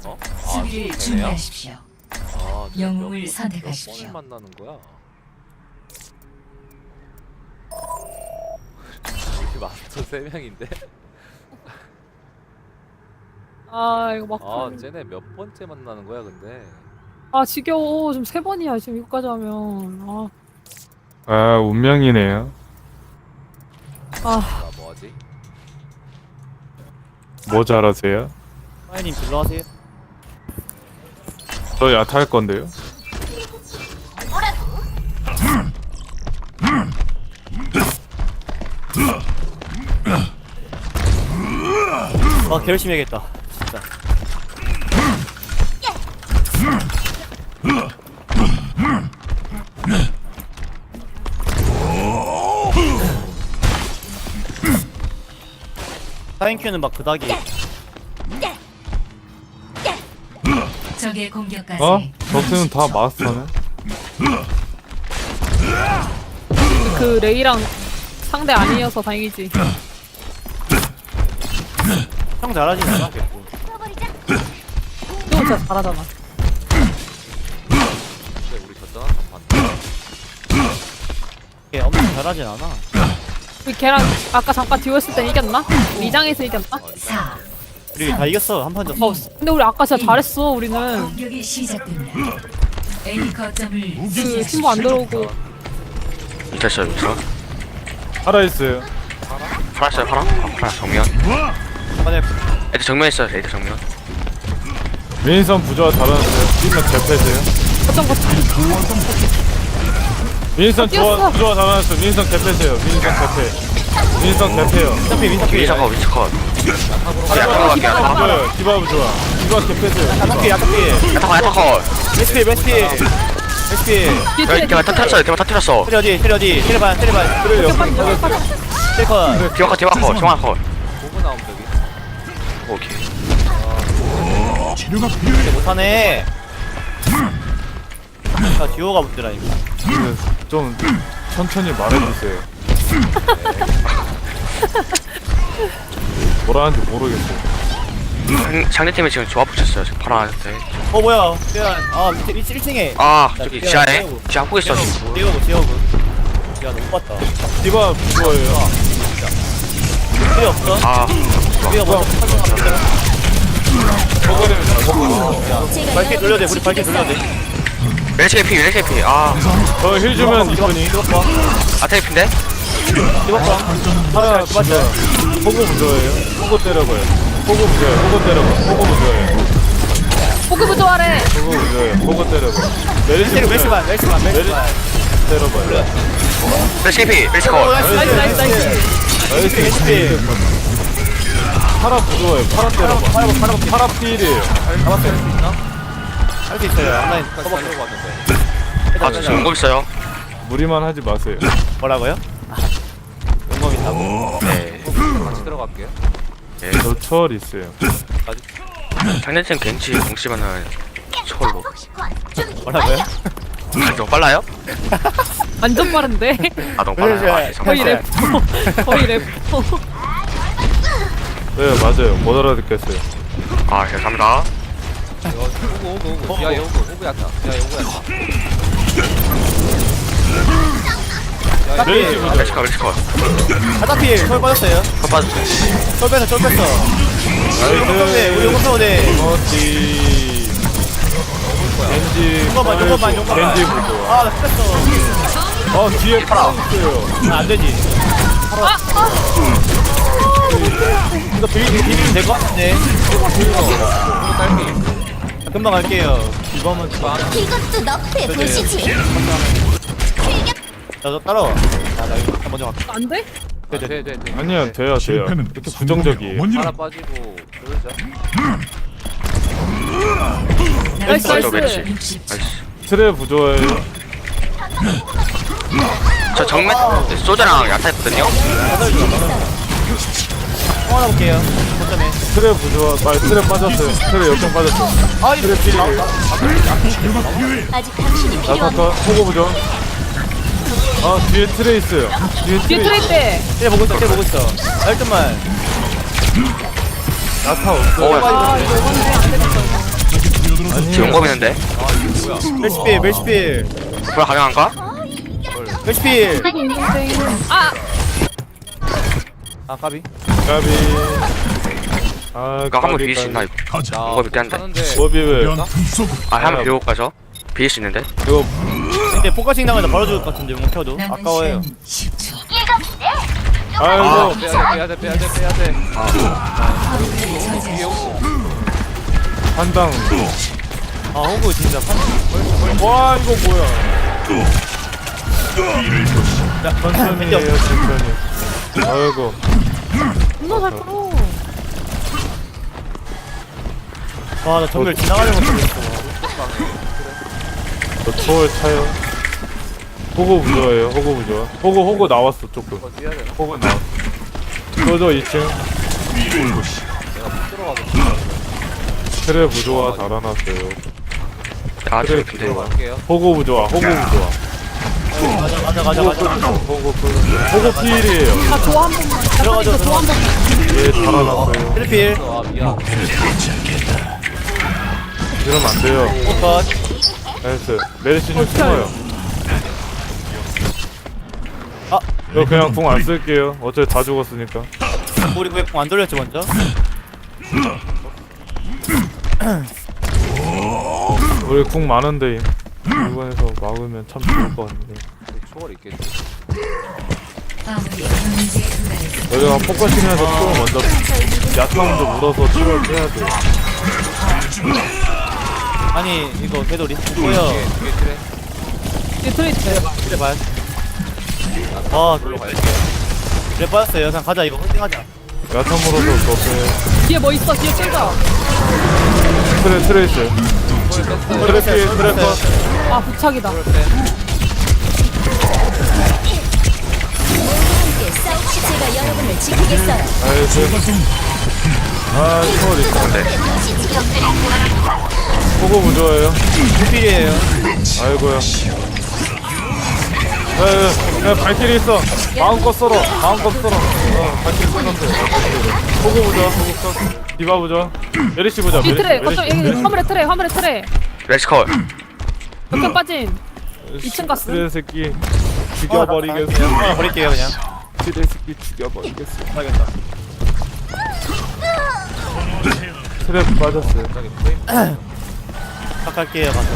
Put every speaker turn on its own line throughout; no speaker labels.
어?
수비를
되네요?
준비하십시오.
아,
영웅을
몇
선택하십시오.
번을 만나는 거야? 우리 마스터 3명인데?
아 이거 막.
아, 쟤네 몇 번째 만나는 거야, 근데?
아 지겨워. 지금 3번이야 지금 이거까지 하면.
아, 운명이네요.
아
나 뭐하지?
뭐 잘하세요?
사장님 딜러 하세요.
저 야타 할 건데요.
아 개열심히 해야겠다 진짜. 사인큐는 막 그닥이
적의 공격까지
어? 저스는 다 마스터네.
그 레이랑 상대 아니어서 다행이지.
형 잘하진 않아.
너 진짜 잘하잖아.
근데 우리 졌잖아, 단판.
걔 엄청 잘하진 않아.
우리 걔랑 아까 잠깐 듀오했을 때 이겼나? 리장에서 이겼나?
4.
우리 다 이겼어. 한 판 졌어.
근데 우리 아까 진짜 잘했어. 우리는
공격이 시작됩니다. A 거점을
그 팀보 안 들어오고.
됐어요, 여기서.
살아있어요.
팔았어요, 팔아? 팔아, 정면.
이번에
애들 정면 있어요, 애들 정면.
윈선 부조화 잘하는데요. 윈선 개패세요.
거점.
윈선
뛰었어.
부조화 잘하는데 윈선 개패세요. 윈선 개패. 윈선 개패요.
민서피 민서피
위쳐컷, 위쳐컷. 야타컷 갈게, 야타컷.
부조요. 디바 부조화. 디바 개패세요.
야타피 야타피
야타컷, 야타컷.
SP SP SP
뒤에
대만 터뜨렸어, 대만 터뜨렸어.
테리 어디 테리 어디 테리 반 테리 반
그래, 옆에
테리 컷
디와컷, 디와컷, 정화컷.
보고 나오면 되기.
오케이.
못하네. 아 듀오가 문제라니까.
좀 천천히 말해주세요. 뭐라 하는지 모르겠어요.
상대팀이 지금 조합 붙였어요, 지금 파라한테.
어 뭐야 태연 아 밑에 1층에
아, 저기 지하에. 지하 보고 있어, 지금.
띄워보 야 너무 봤다.
디바 부조화예요.
필요 없어.
아,
우리가 먼저
저거는 잘 먹고.
밝게 돌려야 돼. 우리 밝게 돌려야 돼.
멜체피, 멜체피. 아,
저힐 주면 이분이.
아테이피인데?
디버팡
하나 부조화. 호구 부조화예요. 호구 때려봐요. 호구 부조화예요. 호구 때려봐. 호구 부조화예요.
포크부 좋아래.
호구 부조화예요. 호구 때려봐. 메리시 부조화예요.
멜시반
때려봐요.
멜체피, 멜체컷.
나이스.
나이스.
HP
파라 부조화예요. 파라 때려봐. 파라 필이에요.
할 수 있어요. 온라인
아까 들어봤는데.
아, 저 지금 온거 있어요.
무리만 하지 마세요.
뭐라고요? 용검 있다고?
네.
같이 들어갈게요.
저 초월 있어요.
상대팀 겐지 공시면은 초월로.
뭐라고요?
아, 너무 빨라요?
완전 빠른데.
아, 너무 빨라요. 아,
거의
죄송합니다.
래퍼. 거의 래퍼.
네, 맞아요. 못 알아듣겠어요.
아, 감사합니다.
오고. 지하에 오고 야타. 지하에 오고 야타.
메리시 부조화.
멜체컷, 멜체컷.
바닥필 솔 빠졌어요.
컷 빠졌어요.
솔 뺐어. 용검대 우리 용검대
어디 겐지
용검만.
겐지 부조화.
아나 뺐어.
뒤에 파라 있어요.
안 되지. 이거 비비면 될 것 같은데. 금방 갈게요.
이거만
이것도 너프에 보시지.
너 따라와. 나 여기 먼저 갈게.
안 돼?
돼.
아니요, 돼요. 이렇게 부정적이에요.
하나 빠지고 그러자.
나이스.
멜체, 멜체.
60초.
나이스.
트레 부조화예요.
저 정면 소자랑 야타 있거든요.
하나 볼게요. 거점에.
트레 부조화. 트레 빠졌어요. 트레 역경 빠졌어요.
아 이거
트레 필.
아직 당신이 필요한
나타카 호구 부조. 뒤에 트레 있어요. 뒤에
뒤에
트레.
트레이 때.
쟤 보고 있어. 아, 1점만.
나타 없어요.
오,
아 이거 오는데 안 되겠어.
지금 용검 있는데.
멜시필 멜시필
뭐야 가능한가?
멜시필.
아
아 까비.
까비. 아,
이거 한번 비빌 수 있나 이거? 용검 있긴 한데.
하는데
뭐 비벼요?
아 한번 비벼 가죠. 비빌 수 있는데.
이거
근데 포커싱 나가면 바로 죽을 것 같은데 못 켜도
남은
아까워요.
시간 10초.
아이고
빼야돼
저지하십시오.
한당.
아 호구 진짜
와 이거 뭐야?
야
천천히에요 천천히. 아이고.
존나 잘 끌어.
와나 전멸 지나가는 거 보겠어.
저 초월 차요. 호구 부조예요. 호구 부조. 호구 나왔어 조금.
뛰어야 되나?
호구 나왔어. 저저 2층. 트레 부조와 달아났어요.
아
그래,
저기 근데
들어가.
갈게요.
호구 부조와 호구 부조와.
가자.
호구 필이에요.
아 좋아 한 번만.
들어가죠,
좋아 한 번만.
얘 달아났어요.
트리필.
아 미안.
이러면 안 돼요.
포컷.
나이스. 메르시님 숨어요.
아.
이거 그냥 궁 안 쓸게요. 어차피 다 죽었으니까.
우리 왜 안 돌렸지 먼저?
우리 궁 많은데 이번에서 막으면 참 좋을 것 같은데.
초월 있겠지.
마무리 경제 구간에서
여기가 포커싱해서 또 먼저 야타 먼저 물어서 치료를 해야 돼.
아니 이거 개돌이 뭐야?
뒤에 트레.
뒤에 트레이트.
그래 봐야. 아 그래 빠졌어요. 그냥 가자 이거 홀딩하자.
야타 물어서 저게
뒤에 뭐 있어? 뒤에 끌자.
트레이스. 트래커.
아 부착이다.
함께 싸우시 제가 여러분을 지키겠어요.
아이고. 아 초월 있어.
보시지.
호구 무좋아해요.
트리필이에요.
아이고야. 야 발길이 있어. 마음껏 썰어. 마음껏 썰어. 발길이 썰었어. 호구 부좋아. 호구 썰. 디바 부좋아. 메리시 부좋아.
뒤 트레. 거점 여기 화물에 트레.
렉스컬.
역전 빠진. 2층 갔어.
트레 새끼 죽여버리겠어.
하나 버릴게요 그냥.
트레 새끼 죽여버리겠어.
알겠다.
트랩 빠졌어요.
탁할게요 가서.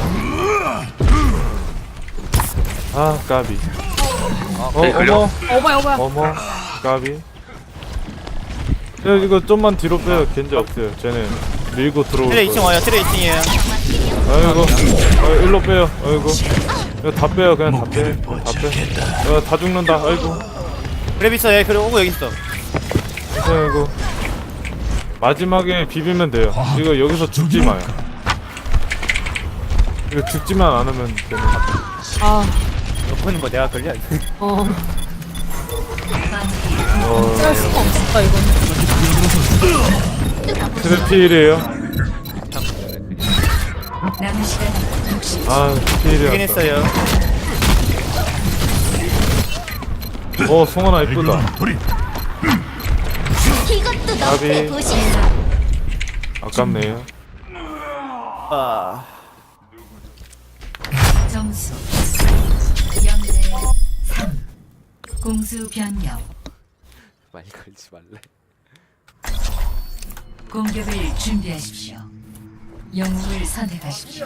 아 까비.
네, 걸려?
어머야.
어머 까비. 야 이거 좀만 뒤로 빼요. 겐지 없어요. 쟤네 밀고 들어올
트레
거예요.
2층 와요. 트레 2층이에요.
아이고. 일로 빼요. 아이고. 이거 다 빼요. 그냥 다 빼. 다 빼. 다 죽는다. 아이고.
그래 있어. 얘 그래 오고 여기 있어.
아이고. 마지막에 비비면 돼요. 이거 여기서 죽지 마요. 이거 죽지만 않으면 되는.
아
옆에는 뭐 내가 걸려.
어.
어.
짤 수가 없었다 이건.
트래필이에요.
남은 시간 60초.
아
여긴
필이었다.
했어요.
송하나 이쁘다.
이것도 너프의
나비.
도시.
아깝네요.
아
점수 0대 3. 공수 변경.
많이 걸지 말래.
공격을 준비하십시오. 영웅을 선택하십시오.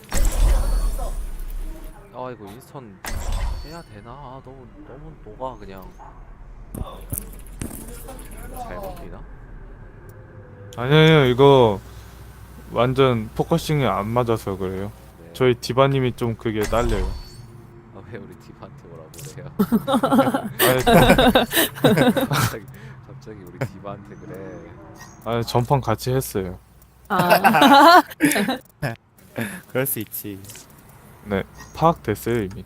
아 이거 인스턴 해야 되나? 아, 너무 녹아 그냥. 잘못 뛰나?
아니에요. 이거 완전 포커싱이 안 맞아서 그래요.
네.
저희 디바님이 좀 그게 딸려요.
아 왜 우리 디바한테 뭐라고 그래요? 갑자기 우리 디바한테 그래.
아 전판 같이 했어요.
아.
그럴 수 있지.
네 파악됐어요 이미.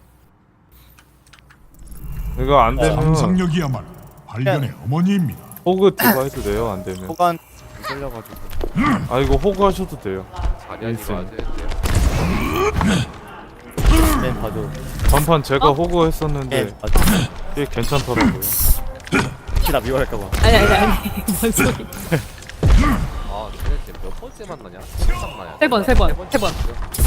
이거 안 되면
상상력이야말로 발견의 어머니입니다.
호그 디바 해도 돼요. 안 되면.
호간 걸려가지고.
아 이거 호그 하셔도 돼요.
자리하지
있어요.
마세요.
네 봐도.
전판 제가 호그 했었는데
네 봐도.
꽤 괜찮더라고요.
혹시나 미워할까봐.
아니. 뭔 소리.
아 쟤네 몇 번 번째 만나냐? 딱 나냐?
세 번, 세 번, 세 번.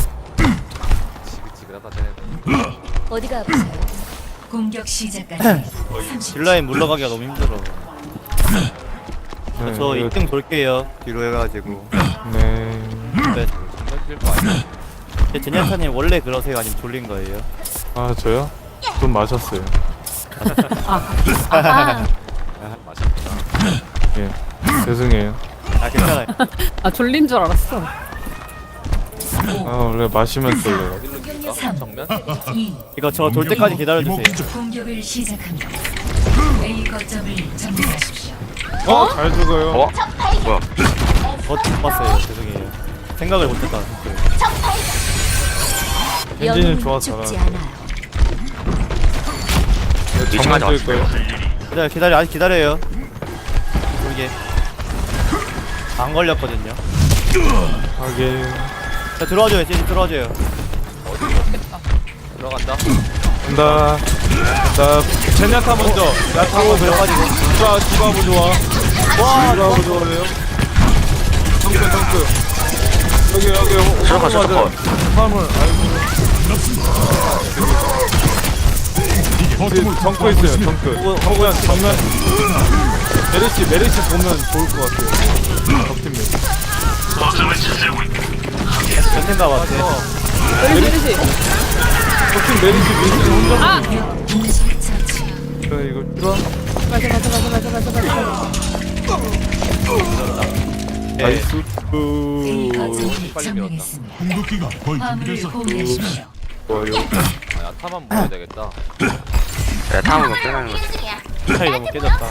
지긋지긋하다 쟤네.
어디가 아프세요?
공격 시작까지 30초.
딜라인 물러가기가 너무 힘들어.
네,
저
이거-
2등 돌게요. 뒤로 해가지고.
네.
네.
정말 뛸거 아니야?
제니아타님 원래 그러세요? 아니면 졸린 거예요?
아 저요? 좀 마셨어요.
아,
맛있구나.
예. 죄송해요.
아 괜찮아요.
아 졸린 줄 알았어.
아 원래 마시면 졸려요.
어디로 뛸까?
3,
정면?
2,
이거 저 돌 때까지 기다려주세요.
공격을 시작합니다. A 거점을 점령하십시오.
잘 죽어요.
어? 뭐야?
못 봤어요. 죄송해요. 생각을 못했다.
엔진은
영웅은
좋아서
죽지
잘하는데.
않아요.
이층까지
정면 뛸 거예요.
기다려 아직 기다려요. 이게 안 걸렸거든요.
하긴.
자 들어와줘요. 제니 들어와줘요.
들어간다.
간다. 간다. 제냐타 먼저. 야타고 들어가지고. 디바 부좋아. 와 디바 부좋아요. 덩크. 여기
수족관, 수족관.
화물. 아이고. 정크 있어요. 정크. 그냥 정면. 메르시 보면 좋을 것 같아요. 적팀
전생가 봤어.
메르시.
적팀 메르시 혼자.
아,
동시 처치.
이거 필요? 나이스.
A 거점을
빨리
점령했습니다.
공격기가 거의
화물을
준비돼서
공유하십시오.
좋아요.
아, 야타만 먹어야 되겠다.
야, 다음은 뭐 끝나는 거지.
차이 너무 깨졌다.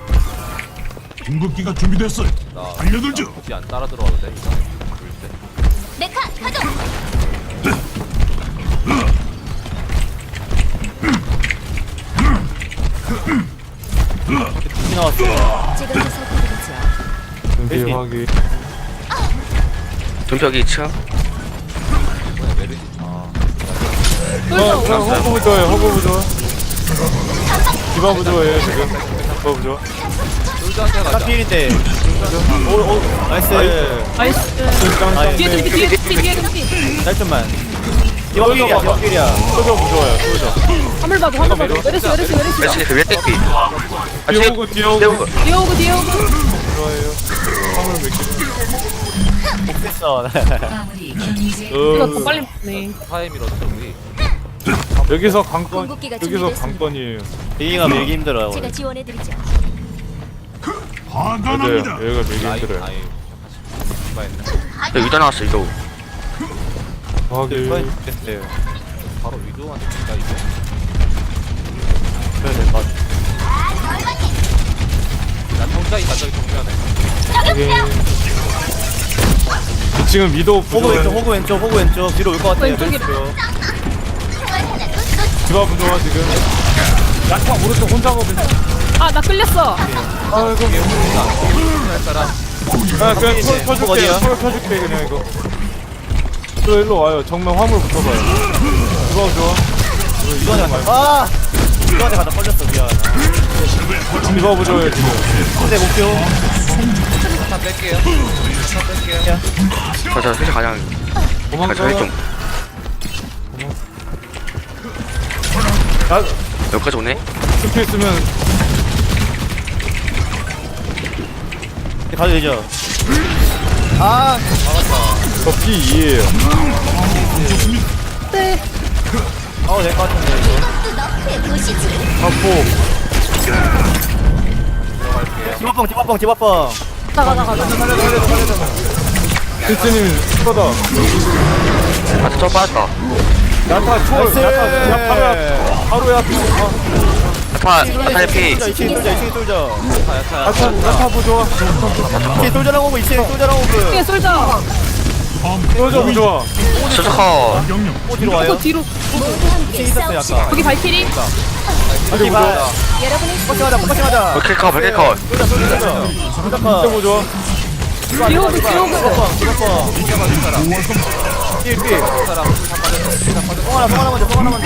공격기가 준비됐어요.
나
달려들죠.
굳이 안 따라 들어와도 돼. 이상해. 볼 때.
메카 가동.
이 나왔어.
제가 보살펴드리죠.
준비 확인.
눈벽이 2층.
이번에 메르시. 아,
허브 부좋아요. 허브 부좋아. 디바 부좋아요 지금. 디바 부좋아.
솔저한테 가자.
카필인데. 오 나이스.
나이스.
아,
뒤에 좀 뒤에 좀 뒤에 좀 뒤에.
짧좀만. 디바필이야 디바필이야.
소저 부좋아요. 소저.
화물 봐도 화물 봐도. 메르시.
메시 그 위에 떼기.
뒤에 오고 뒤에 오고.
뒤에 오고.
좋아요. 화물 몇 개.
복했어.
마무리 경제.
이거 더 빨리 먹네.
타임 밀었어 우리.
여기서 관건.
궁극기가
여기서
준비됐습니다.
관건이에요.
비기가 밀기 힘들어요.
제가 지원해드리죠.
화가
맞아요.
납니다.
여기가 되게
라인
힘들어요.
라인. 디바했네.
야, 위도 나왔어, 위도.
확인.
됐어요.
바로 위도한테 진짜 이거.
그래야 될것 같아.
나 혼자 있다 저기 정면에.
확인. 지금 위도
호구 왼쪽
부좋아요.
호구 왼쪽 뒤로 올 것 같아요.
왼쪽이래.
왼쪽.
디바 부좋아 지금. 야타 오른쪽 혼자거든요.
아, 나 끌렸어.
아이고.
할 사람.
아 그냥 털 펴줄게요.
어디야?
털 펴줄게 그냥 이거. 저 일로 와요. 정면 화물 붙어봐요. 디바 좋아.
이거한테 아! 이거한테 가다 걸렸어 미안.
디바 부좋아요 지금.
근데 목표.
다 뺄게요. 다 뺄게요.
저, 사실 가장, 저기 좀,
나
여기까지 오네?
스킬 쓰면
가도 되죠. 아
저 P2에요.
네.
될것 같은데 이거.
또 너프에 보시지.
하포.
디바뻥 디바뻥.
나가.
크리스님 스커다.
아, 저 빠졌다.
야타 초월.
나이스.
야타 바로 야타.
야타 피.
2층에 쏠져.
야타 부좋아.
2층에 쏠져랑 오고 2층에 쏠져랑 오고.
뒤에 솔져.
소저 부좋아.
수석커.
명령.
뒤로 와요.
또 뒤로.
모두 함께
있었어요
싸웁시다.
아까.
여기 발키리.
아직 부좋아.
여러분의
포커싱하자 포커싱하자.
백킬커, 백킬커.
진짜
쏠져.
부좋아.
뒤에 오고.
디바뻥. 뒤에 송 하나 먼저.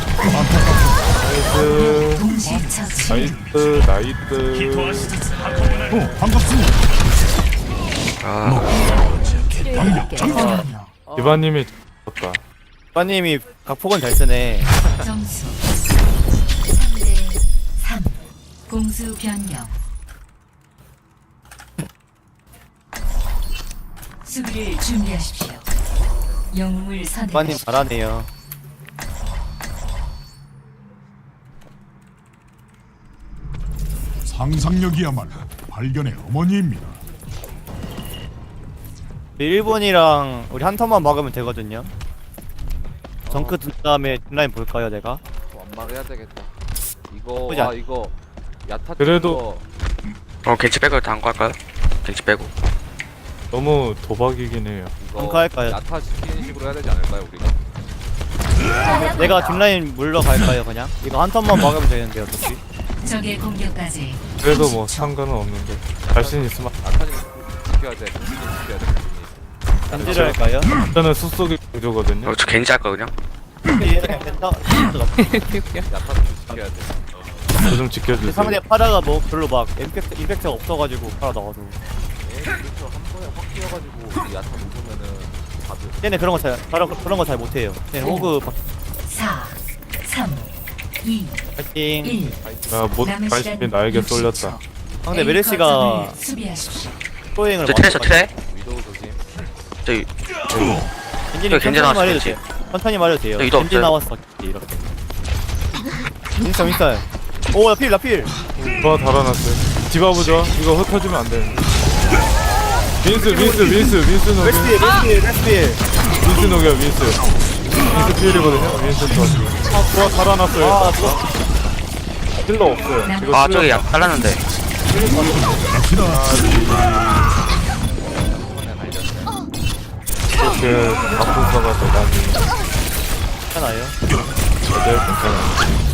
나이스.
동시 처치.
나이스.
반갑습니다.
아,
방벽 전개.
디바님이 졌다.
빠님이 각폭은 잘 쓰네.
점수 3대 3 공수 변경 수비를 준비하십시오. 영웅을
빠님
선택하십시오.
잘하네요.
상상력이야말로 발견의 어머니입니다.
일본이랑 우리 한 턴만 막으면 되거든요. 정크 든 다음에 뒷라인 볼까요, 내가?
완막해야 되겠다. 이거
보자.
이거 야타
그래도-
겐지 빼고 다음 거 할까요? 겐지 빼고.
너무 도박이긴 해요.
이거
벙커할까요?
야타 지키는 식으로 해야 되지 않을까요 우리가?
내가 뒷라인 물러갈까요, 그냥? 이거 한 턴만 막으면 되는데 어차피.
적의 공격까지
그래도 뭐 상관은 없는데 자신 있으면
야타는 지켜야 돼. 지키는 지켜야 돼.
견제를 할까요?
저는 숲속의 구조거든요.
저 겐지 할까 그냥?
됐다.
야타는 지켜야 돼.
저 좀 지켜주세요.
상대 파라가 뭐 별로 막 임팩트가 없어가지고 파라 나와도.
그렇죠. 한 번에 확 뛰어가지고 이 야타 누르면은 다들
쟤네 그런 거 잘 못해요. 쟤네 호그
4 3 2
파이팅.
1
못
남은
관심이
시간
나에게
60초.
쏠렸다.
상대
A
메르시가
거점을 수비하십시오.
프로잉을
저 트레 저 트레.
위도우 조심.
저기
겐지님
겐지
천천히
나왔어,
말해도
겐지.
돼요. 천천히 말해도 돼요.
저 이도
겐지
없어요.
나왔어. 이렇게. 윈스턴. 오, 나 필.
뭐 달아났어요. 디바 보죠. 이거 흩어지면 안 되는데. 윈스 녹여. 윈스 녹여 윈스. 윈스 필이거든요. 윈스 터. 좋아 달아났어요. 힐러 없어요. 이거
아 저기 약 잘랐는데.
이렇게 아픈 사가서 많이
괜찮아요.
괜찮아요.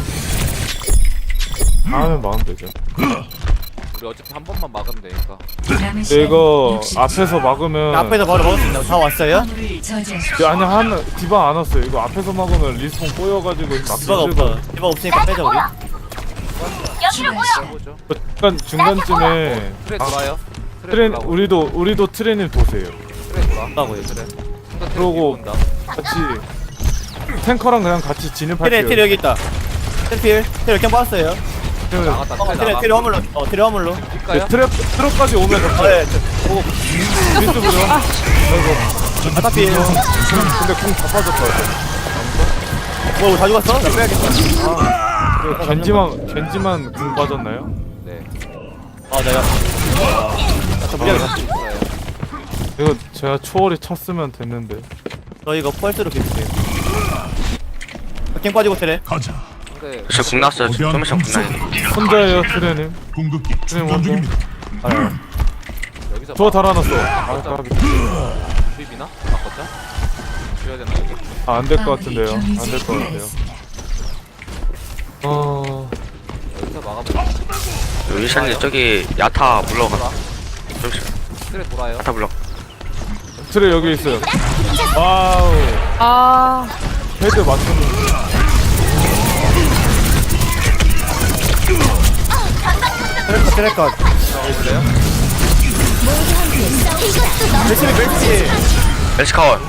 하면 마음 되죠.
우리 어차피 한 번만 막으면 되니까.
남은
근데
시간
이거
60초.
앞에서 막으면
앞에서 바로 먹을 수 있나요? 다 왔어요?
화물을 저지하십시오.
아니 한 디바 안 왔어요. 이거 앞에서 막으면 리스폰 꼬여가지고 막
디바가 없어. 디바 없으니까 빼자 우리.
추가시간
해보죠.
중간쯤에
트레 돌아요.
트렌
돌아오고.
우리도 트렌을 보세요.
트레 돌아.
온다고요.
트레.
그러고
본다.
같이 탱커랑 그냥 같이
테레
진입할게요.
여기 있다. 테레 그냥 빠졌어요.
나갔다. 트레 나가.
테레 화물로. 테레 화물로.
볼까요?
트랩까지 오면
네.
미스 보죠. 아이고
아타필.
근데 공 다 빠졌어요.
다 죽었어? 나 빼야겠다.
겐지만 공 빠졌나요?
네.
내가. 저 무리하게 갔어.
있어요.
이거 제가 초월이 찼으면 됐는데.
저 이거 펄스로 비슷해요. 갱 빠지고 테레.
가자.
근데
저궁 났어요. 좀 있으면 궁 나요.
혼자예요 트렌님.
궁극기 충전
먼저.
중입니다.
여기서
저 달아놨어.
비비나? 바꿨자? 줘야 되나 이거?
안될 것 같은데요. 안 될 것 같아요.
여기서 막아보자.
위샤님 저기 야타 물러가. 잠시
트레 돌아요.
야타 물러.
트레 여기 있어요. 와우.
아
헤드 맞추는.
트레컷. 멜시.
멜시카원.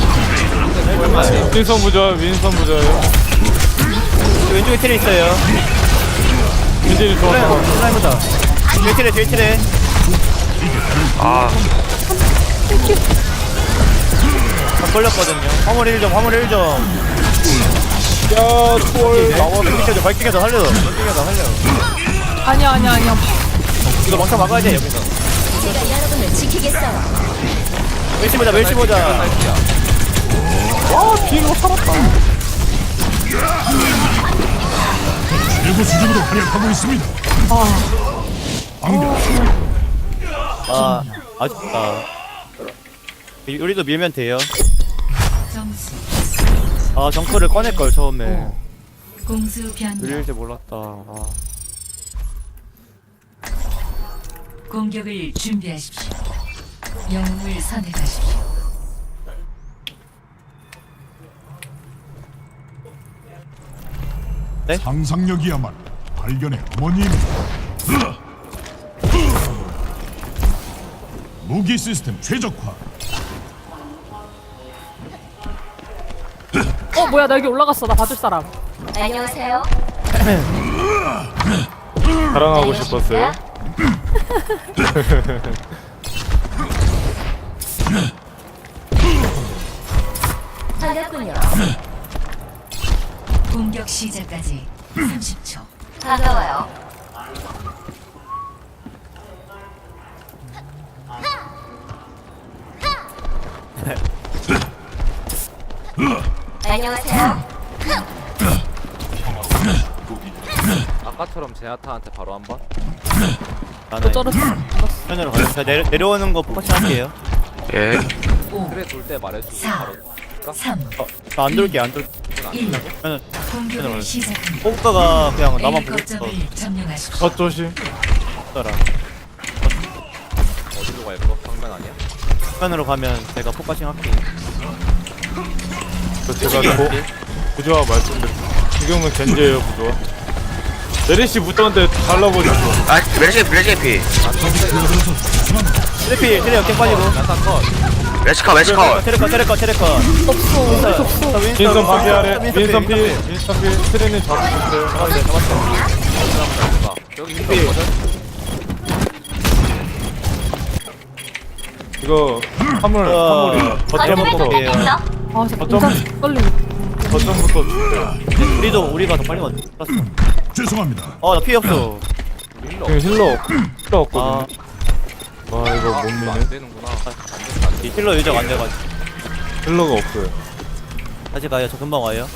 윈선 부자예요.
왼쪽에 테레 있어요.
윈진이 좋았어.
해보자. 뒤에 테레.
아
다 걸렸거든요. 화물 1점.
야 초월 나와.
발키게서 살려.
아니야
이거 막타 막아야 돼 여기서.
제가 여러분을 지키겠어요.
멜시 보자.
일부 수준으로 활약하고 있습니다. 방벽
아쉽다. 우리도 밀면 돼요.
점수
정크를 꺼낼걸 처음에.
공수 변경
밀릴 줄 몰랐다.
공격을 준비하십시오. 영웅을 선택하십시오.
상상력이야말로 발견의 어머니입니다. 무기 시스템 최적화.
뭐야 나 여기 올라갔어. 나 봐줄 사람.
안녕하세요.
자랑하고 싶었어요.
반갑군요.
공격 시작까지 30초.
반가워요. 안녕하세요.
아까처럼 제나타한테 바로 한번.
나는
쩔었어.
편으로 가요. 제가 내려오는 거 포커싱 할게요.
예.
5,
그래 돌 때 말해주고
4,
바로.
3,
저 안 돌게 안 돌게.
1.
편은
공격을 시작합니다.
뽑다가 그냥 나만
A
보고 있어.
거점을 점령하십시오.
젖조심.
더라.
어디로 갈 거? 방면 아니야?
편으로 가면 제가 포커싱 할게요.
제가 부조화 말씀드릴게요. 지금은 겐지예요 부조화. 메리시 붙었는데 달라버리고.
아 메르시 피.
트래피 트래 역행 빠지고.
야타 컷.
메스카
테레커.
없어.
윈선 파피 아래. 윈선 피. 트레님 잡으셨어요.
여기 힐러 있거든?
이거 화물이 거점부터
아 진짜
어쩜-
공장 떨리네.
거점부터 줄게요.
우리도 우리가 더 빨리 왔어.
죄송합니다.
나 피 없어.
힐러
지금 힐러
아,
없거든요. 와 이거 못
안
미네.
되는구나.
이 힐러 유적 안 돼가지고.
힐러가 없어요.
다시 가요. 저 금방 와요.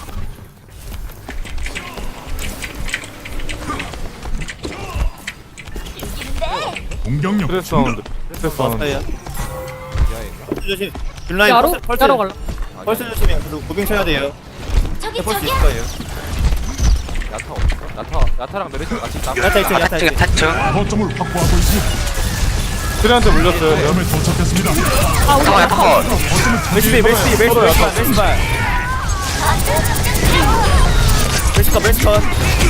공격력
스트레스 사운드. 스트레스 사운드.
왔어요.
지하인가?
조심. 딜라인
야로
펄스
야로 갈라.
펄스 조심해. 그래도 무빙 쳐야 돼요.
저기
펄스
저기요.
있을 거예요.
야타 없어? 야타랑 메르시 같이 있다.
야타 있죠. 야타
지금
있죠.
타츠.
거점을 확보하고 있습니다.
트레한테 물렸어요.
거점에 도착했습니다.
잠깐만 약간 컷.
멜시비 멜시컷.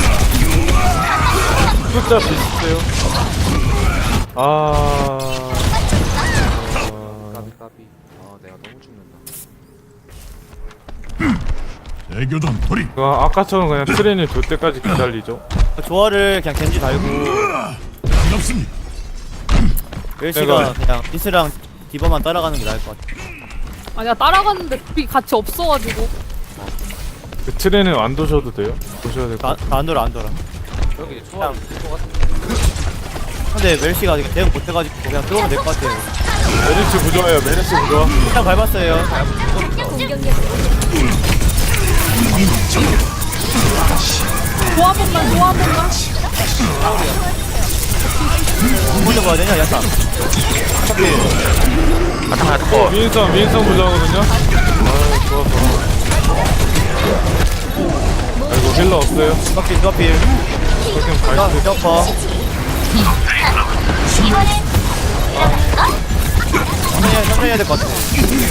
숫자 비슷해요.
까비. 아 내가 너무 죽는다.
대교전 돌입.
아까처럼 그냥 트레인이 돌 때까지 기다리죠.
조화를 그냥 겐지 달고
반갑습니다.
멜시가 그냥 비스랑 디버만 따라가는 게 나을 것 같아.
아니야 따라갔는데 둘이 같이 없어가지고.
그 트레인은 안 도셔도 돼요. 도셔야 될 것 같아요.
안 돌아.
여기 초월 있을 것 같아.
근데 멜시가 대응 못해가지고 그냥 들어오면 될 것 같아요.
메리츠 부조화예요. 메리츠 부조화.
일단 밟았어요.
좋아 한 번만.
먼저 가야 되냐 야타. 어차피
컷.
민선 부조화거든요. 아 좋았어. 아이고 힐러 없어요.
두바필.
그렇게 갈
점퍼. 천천히 해야 될 것 같아.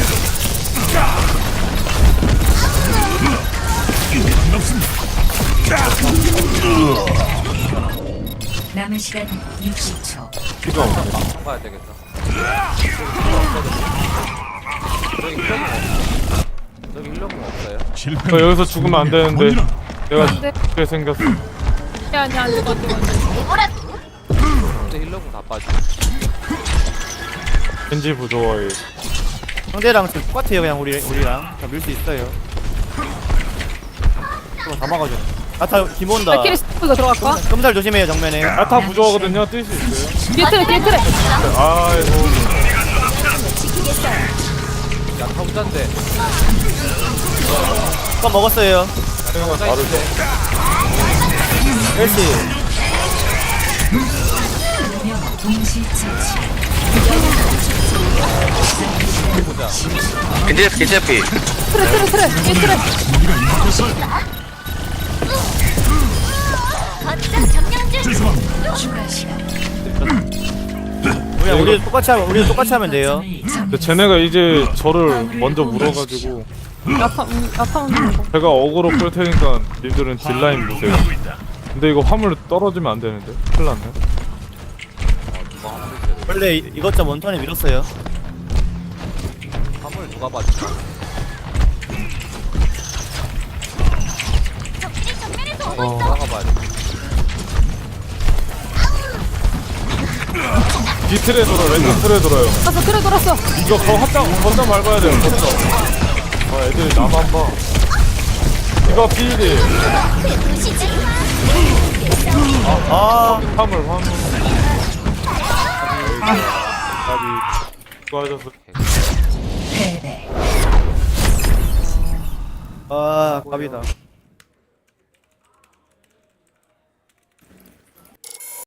남은 시간 60초.
필요 없네.
방 가야 되겠다. 저기 힐러공 없어요?
실패.
저 여기서 죽으면 안 되는데 내가
돼.
죽게 생겼어.
아니야 안 죽어.
근데 힐러공 다 빠져.
겐지 부조화에
상대랑 지금 똑같아요. 그냥 우리랑 다 밀 수 있어요. 다 막아줘. 야타 김 온다.
발키리 스프가 들어갈까?
끔살 조심해요 정면에.
야타 부조화거든요. 뛸 수 있어요.
뒤에 트레.
아이고
야타 혼자인데.
껌 먹었어요.
생각은 다르죠.
멜시.
동시 처치.
겐지 피.
트레. 뒤에 트레.
거점 점령 중.
죄송합니다.
추가 시간.
우리도 똑같이 하면 돼요.
근데 쟤네가 이제 저를 먼저 물어가지고
야타 오는 거.
제가 어그로 끌 테니까 님들은 딜라인 보세요. 근데 이거 화물 떨어지면 안 되는데 큰일 났네.
원래 이것저것 원턴에 밀었어요.
화물 누가 봐주나? 나가봐야 돼.
뒤틀에 돌아 왼쪽 틀에 돌아요.
알았어 그래 돌았어.
이거 걷다 밟아야 돼요. 걷다. 아 애들이 나만 봐. 이거 필이. 화물. 아비. 수고하셨어.
패배.
아, 갑이다.